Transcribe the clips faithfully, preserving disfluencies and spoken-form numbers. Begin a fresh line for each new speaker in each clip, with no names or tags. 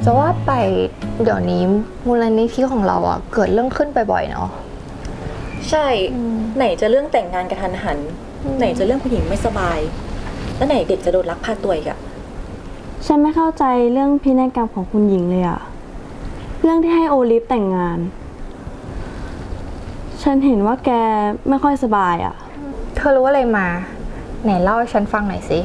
จะว่าไปเดี๋ยวนี้มูลนิธิของเราอ่ะเกิดเรื่องขึ้นบ่อยๆเนาะ
ใช่ไหนจะเรื่องแต่งงานกระทันหันไหนจะเรื่องผู้หญิงไม่สบายแล้วไหนเด็กจะโดนลักพาตัวอีกอะ
ฉันไม่เข้าใจเรื่องพินัยกรรมของคุณหญิงเลยอะเรื่องที่ให้โอลิฟแต่งงานฉันเห็นว่าแกไม่ค่อยสบายอะ
เธอรู้อะไรมาไหนเล่าให้ฉันฟังหน่อยสิ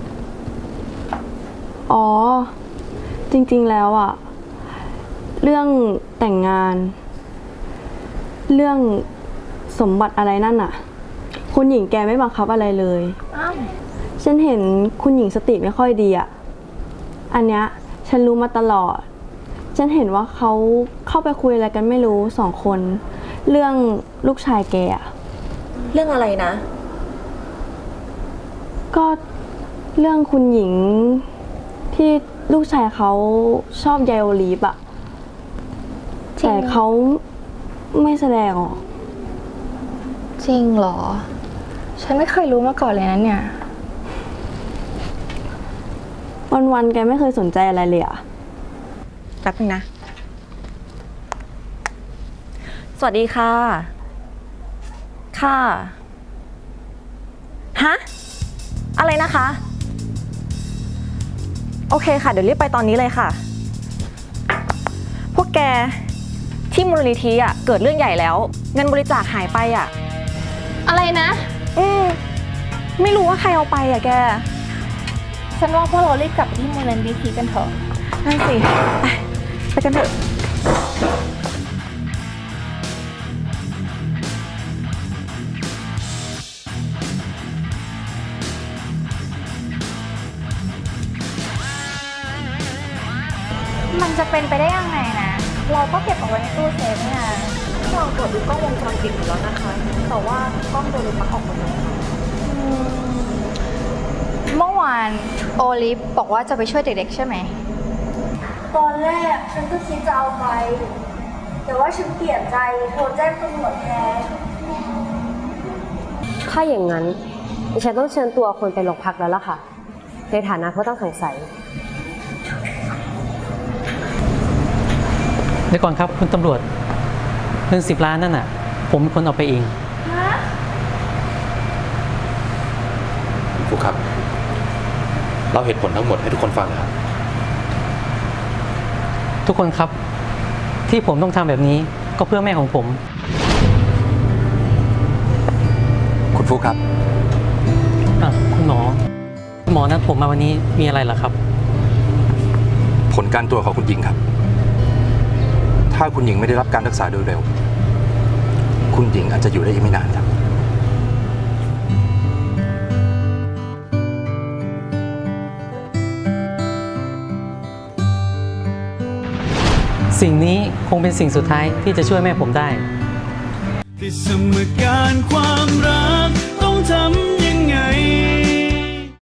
อ๋อจริงๆแล้วอะเรื่องแต่งงานเรื่องสมบัติอะไรนั่นอะคุณหญิงแกไม่บังคับอะไรเลยฉันเห็นคุณหญิงสติไม่ค่อยดีอะอันเนี้ยฉันรู้มาตลอดฉันเห็นว่าเขาเข้าไปคุยอะไรกันไม่รู้สองคนเรื่องลูกชายแกอะ
เรื่องอะไรนะ
ก็เรื่องคุณหญิงที่ลูกชายเขาชอบยายโอลีฟอะแต่เขาไม่แสดงออก
จริงเหรอฉันไม่เคยรู้มาก่อนเลยนะเนี่ย
วันๆแกไม่เคยสนใจอะไรเลยอะ
แป๊บนึงนะสวัสดีค่ะค่ะฮะอะไรนะคะโอเคค่ะเดี๋ยวรีบไปตอนนี้เลยค่ะพวกแกที่มูลนิธิอ่ะเกิดเรื่องใหญ่แล้วเงินบริจาคหายไปอ่ะ
อะไรนะ
อืมไม่รู้ว่าใครเอาไปอ่ะแก
ฉันว่าพวกเรารีบกลับไปที่มูลนิธิกันเถอะ
นั่นสิไปไปกันเถอะ
มันจะเป็นไปได้ยังไงนะเราก็เก็บเอาไว้ในตู้เซฟเนี่ย
เราตรวจดูกล้องวงจรปิดอยู่แล้วนะคะแต่ว่ากล้องโดนปลั๊กออกหมดเลย
เมื่อวานโอลิฟบอกว่าจะไปช่วยเด็กๆใช่ไหม
ตอนแรกฉันก็คิดจะเอาไปแต่ว่าฉันเปลี่ยนใจโทรแจ้งตำรวจแทน
ถ้าอย่างนั้นดิฉันต้องเชิญตัวคนไปโรงพักแล้วล่ะค่ะในฐานะผู้ต้องสงสัย
เดี๋ยวก่อนครับคุณตำรวจเงินสิบล้านนั่นน่ะผมเป็นคนเอาไปเอง
ครูครับเล่าเหตุผลทั้งหมดให้ทุกคนฟังนะครับ
ทุกคนครับที่ผมต้องทำแบบนี้ก็เพื่อแม่ของผม
คุณฟุกครับ
คุณหมอคุณหมอนัดผมมาวันนี้มีอะไรเหรอครับ
ผลการตรวจของคุณหญิงครับถ้าคุณหญิงไม่ได้รับการรักษาโดยเร็วคุณหญิงอาจจะอยู่ได้อีกไม่นานครับ
สิ่งนี้คงเป็นสิ่งสุดท้ายที่จะช่วยแม่ผมได้
ที่สมการความรักต้องทำ